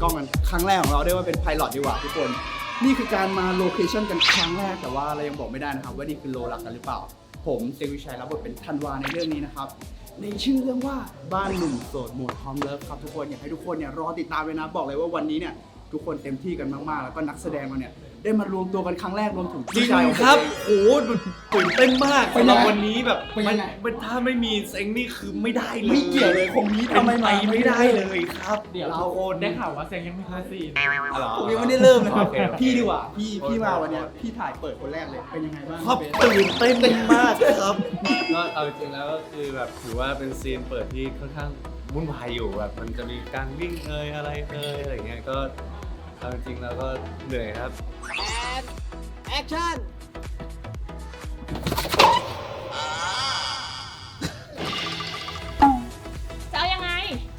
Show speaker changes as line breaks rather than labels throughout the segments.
องกันครั้งแรกของเราได้ว่าเป็นไพลอตดีกว่าทุกคนนี่คือการมาโลเคชั่นกันครั้งแรกแต่ว่าเรายังบอกไม่ได้นะครับว่านี่คือโลรักกันหรือเปล่าผมเซวิชัยรับบทเป็นธันวาในเรื่องนี้นะครับในชื่อเรื่องว่าบ้านหนุ่มโสดโหมดฮอมเลิฟครับทุกคนอยากให้ทุกคนเนี่ยรอติดตามเลยนะบอกเลยว่าวันนี้เนี่ยทุกคนเต็มที่กันมากๆแล้วก็นักแสดงเราเนี่ยได้มารวมตัวกันครั้งแรกรวมถึง
จริ
พี่
ง
ชายของ
ครับ
ผมเอง
โอ้โหตื่นเต้นมาก
เป็น
สำห
ยังไง
รับวันนี้แบบ
เป็นยังไง
มันถ้าไม่มีเซ็งนี่คือไม่ได้เลย
ไม่เกี่ยวเลยคงนี้
เป็น
ทำไม
ไป
มา
ไม่ได้เลยครับ
เดี๋ยว
ทุกคน
ได้ข่าวว่าเซงยังไม่เคยซีน
อะไรอ
ผมยังไม่ได้เริ่มเลยครับ
โอเคโอเค
พี่ดีกว่าพี่มาวันเนี้ยพี่ถ่ายเปิดคนแรกเลยเป็นยังไงบ้าง
ครับ
เบส
ตื่นเต้นมากครับ
ก็เอาจริงๆแล้วก็คือแบบถือว่าเป็นซีนเปิดที่ค่อนข้างวุ่นวายอยู่แบบมันจะมีการวิ่งอะไรอะไรเงี้ยก็เอาจริงๆแล้วก็เหนื่อยครับ
แอคชั่นจะเอายังไง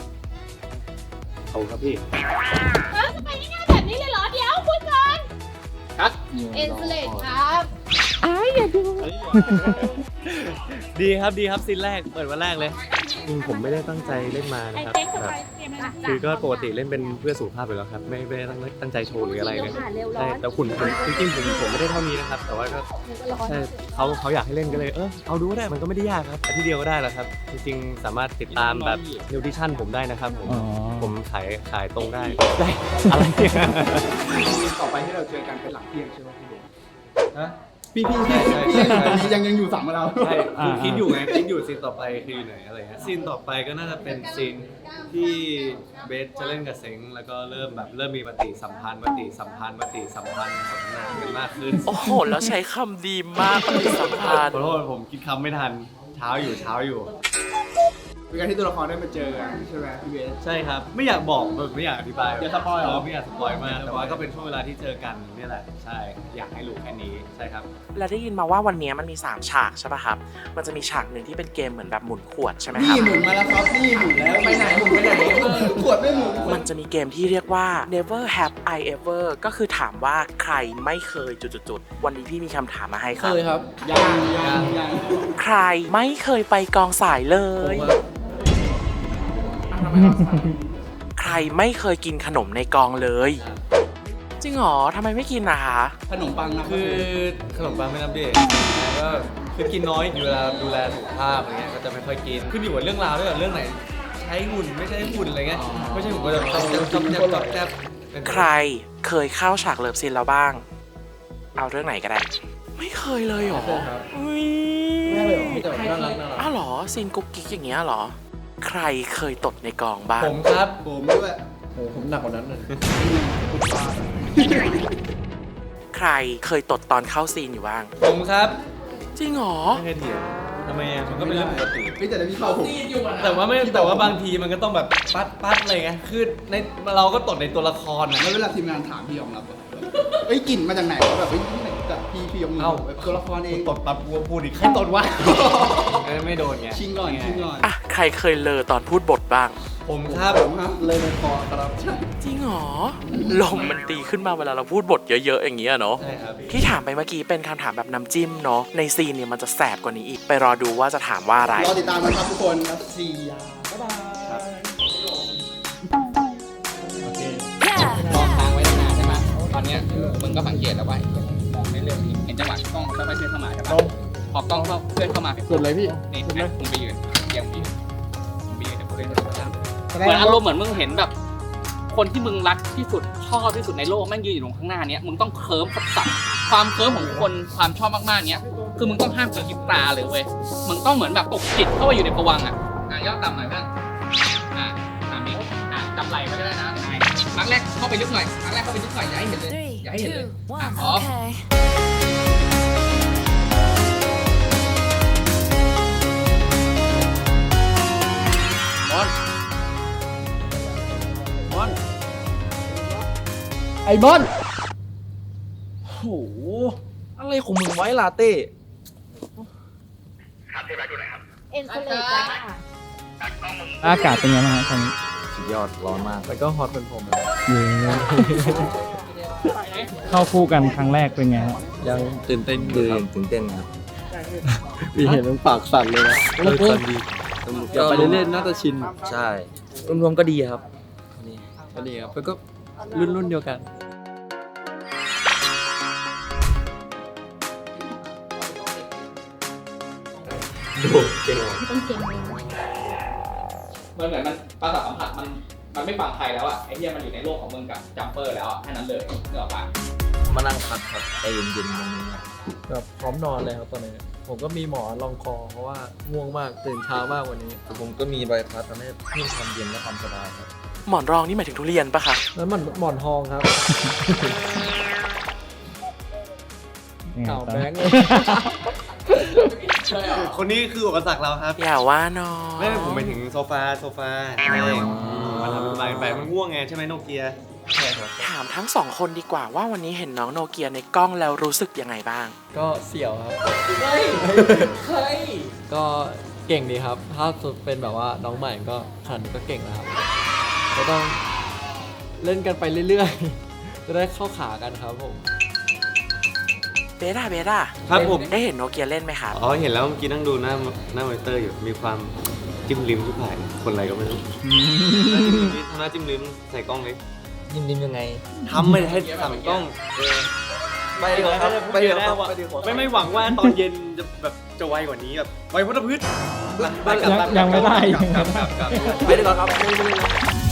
เอาครับพี่
จะไปง่ายๆแบบนี้เลยเหรอ เดี๋ยวคุยก่อนครับเอ็นสเลตครับ
ดีครับซีนแรกเปิดวันแรกเลยจริงผมไม่ได้ตั้งใจเล่นมานะครับแบบคือก็ปกติเล่นเป็นเพื่อสุขภาพอยู่แล้วครับไม่ได้ตั้งใจโชว์หรืออะไรเลยใช่แต่หุ่นผมจริงๆผมไม่ได้เท่านี้นะครับแต่ว่าก็ใช่เขาอยากให้เล่นก็เลยเอาดูก็ได้มันก็ไม่ได้ยากครับอาทิตย์เดียวก็ได้แล้วครับจริงๆสามารถติดตามแบบนิวทริชั่นผมได้นะครับผมขายตรงได้อะไรเนี่ย
ต่อไปที่เราเจอกันเป็นหลังเที่ยงใช่ไหมพี่เบส
ฮะ
พี่
ใช่ใช่ใช่
ยังอยู่สั่งมาเรา
ใช่คือคิดอยู่ไงคิดอยู่ซีนต่อไปคืออยู่ไหนอะไรเงี้ยซีนต่อไปก็น่าจะเป็นซีนที่เบสจะเล่นกับเซ็งแล้วก็เริ่มมีปฏิสัมพันธ์สนทนากันมากขึ้น
โอ้โห แล้วใช้คำดีมากปฏิสัมพันธ์
ขอโทษผมคิดคำไม่ทันเช้าอยู่
เป็นการที่ตัวละครได้มาเจอกันใช่ไหมพี่เบส
ใช่ครับไม่อยากบอกแบบไม่อยากอธิบาย
อย่าสปอยเหรอ
ไม่อยากสปอยมากแต่ว่าก็เป็นช่วงเวลาที่เจอกันนี่แหละใช่อยากให้รู้แค่นี้ใช่ครับ
และได้ยินมาว่าวันนี้มันมี 3 ฉากใช่ป่ะครับ มันจะมีฉากหนึ่งที่เป็นเกมเหมือนแบบหมุนขวดใช่ไหมค
นี่
รับ
หมุนมาแล้วครับนี่หมุนแล้วไปไหนขวดไม่หมุน
มันจะมีเกมที่เรียกว่า never have I ever ก็คือถามว่าใครไม่เคยจุดๆวันนี้พี่มีคำถามมาให้ครับ
ยัง
ใครไม่เคยไปกองสายเลย ใครไม่เคยกินขนมในกองเลย จริงเหรอทำไมไม่กินนะคะ
ขนมปังนะ
คือขนมปังไม่นับเด็กก็คือกินน้อยเวลาดูแลสุขภาพอะไรเงี้ยก็จะไม่ค่อยกินขึ้นอยู่กับเรื่องราวด้วยเรื่องไหนใช้หุ่นไม่ใช่หุ่นอะไรเงี้ยไม่ใช่หุ่นก็จะจับแทบ
ใครเคยเข้าฉากเลิฟซีนแล้วบ้าง เอาเรื่องไหนก็ได้ ไม่เคยเลยเหรออุ๊ย
ไม่เลยเหรอมีแต่แบบน่ารัก
อ้าวเหรอซีนกุ๊กกิ๊กอย่างเงี้ยเหรอ ใครเคยตดในกองบ้าง
ผมครับ
ผมด้วย
โอ้ผมหนักกว่านั้นเลย
ใครเคยตดตอนเข้าซีนอยู่บ้าง
ผมครับ
จริงเหรอ
ไม่เคยเถียงทำไมอ่ะมันก็เป็นเรื่องปกติ
พี่แต่พี่เข้าผม
แต่ว่าบางทีมันก็ต้องแบบปัดอะไรไงคือในเราก็ตดในตัวละครนะ
แล้วเวลาทีมงานถามพี่ยอมรับว่าเอ้ยกลิ่นมาจากไหนวะแบบเฮ้ยไหนจากพี่ยอมรับแบบตัวละครเอง
ตดปั๊บกูพูดอีกใครตดวะไม่โดนไง
ชิงก่อน
อ่ะ ใครเคยเลอตอนพูดบทบ้าง
ผมครับ
ผมครับเลยในคอครับ
จริงเหรอ ลมมันตีขึ้นมาเวลาเราพูดบทเยอะๆอย่างเงี้ยเนาะ
ใช่ครับ
ที่ถามไปเมื่อกี้เป็นคำถามแบบน้ำจิ้มเนาะ ในซีนเนี่ยมันจะแสบกว่านี้อีก ไปรอดูว่าจะถามว่าอะไร
รอติดตามกันครับทุกคนครับ4ยาบ๊ายบาย
มองทางไว้นานๆใช่ไหมตอนเนี้ยมึงก็สังเกตแล้วว่ามองเรื่อยๆเห็นจังหวะกล้องค่อยๆเคลื่อนเข้ามาใช่ปะพอกล้องเคลื่อนเข้ามา
สุดเลยพี่
นี่ใช่ไหมมึงไปยืนเดี๋ยวกูเล่นตัวตามเหมือนอารมณ์เหมือนมึงเห็นแบบ คนที่มึงรักที่สุดชอบที่สุดในโลกแม่งยืนอยู่ตรงข้างหน้าเนี้ยมึงต้องเคิร์มสับความเคิร์มของคนความชอบมากๆเนี้ยคือมึงต้องห้ามกระพริบตาเลยเว้ยมึงต้องเหมือนแบบตกจิตเข้าไปอยู่ในภวังค์อ่ะย่อต่ำหน่อยเพื่อนตามนี้จับไหล่ไว้ก็ได้นะครั้งแรกเข้าไปลึกหน่อยครั้งแรกเข้าไปลึกหน่อยอย่าให้เห็นเลยอย่าให้เห็นเลยพร้อม
ไอ้บอลโหอะไรของมึงไว้ลาเต้
เอ็นสเลตจ้า
อากาศเป็นไงบ้างครับตอนนี้
สุดยอดร้อนมากแล้วก็ฮอตเป็นผม
เข้าคู่กันครั้งแรกเป็นไงฮะ
ยังตื่นเต้นครับ
พี่เห็นมันปากสั่นเลยนะ
สันดี
อย่าไปเล่นๆน่าจะชิน
ใช่รวมๆก็ดีครับ
ก็ดีครับแล้วก็รุ่นเดียวกัน
ดูเก่งว่ะ
ต้องเก่งเลย
มันเหมือนมันประสาทสัมผัสมันไม่ฟังใครแล้วอ่ะไอ้เหี้ยมันอยู่ในโลกของมึงกับจัมเปอร์แล้วอ่ะแค่นั้นเลยเนกออกปะ
มานั่งพักครับใจเย็นๆตรงนี้แบบพร้อมนอนเลยครับตอนนี้ ผมก็มีหมอนรองคอเพราะว่าง่วงมากตื่นเช้ามากวันนี้ ผมก็มีใบพัดทำให้เพิ่มความเย็นและความสบายครับ
หมอนรองนี่หมายถึงทุเรียนปะคะ
แล้วหมอนทองครับข่าวแบงค์เลย
คนนี้คืออุปสรรคเราครับ
อย่าว่าน้อ
ไม่
ง
ผมไปถึงโซฟาใช่มันทำสบายไปมันง่วงไงใช่ไหมโนเกีย
ถามทั้งสองคนดีกว่าว่าวันนี้เห็นน้องโนเกียในกล้องแล้วรู้สึกยังไงบ้าง
ก็เสี่ยวครับก็เก่งดีครับ ถ้าสุดเป็นแบบว่าน้องใหม่ก็ขันก็เก่งนะครับก็ต้องเล่นกันไปเรื่อยๆ จะได้เข้าขากันครับผม
เบต้า
ครับผม
ได้เห็นโนเกียเล่นไหมครับ
อ๋อเห็นแล้วเมื่อกี้นั่งดูหน้ามอนิเตอร์อยู่มีความจิ้มลิ้มทุกผ่ายคนอะไรก็ไม่รู้ทำหน้าจิ้มลิ้มใส่กล้องเลย
ยิ้มยังไง
ทำไม่ให้สั่งกล้อง
ไปดีกว่าครับไปดีกว่าครับไปดีกว่า
ไม่หวังว่าตอนเย็นจะแบบจะไวกว่านี้แบบไวพุทธพืช
ยังไม่ได้
กลับ
ไปดีกว่าครับ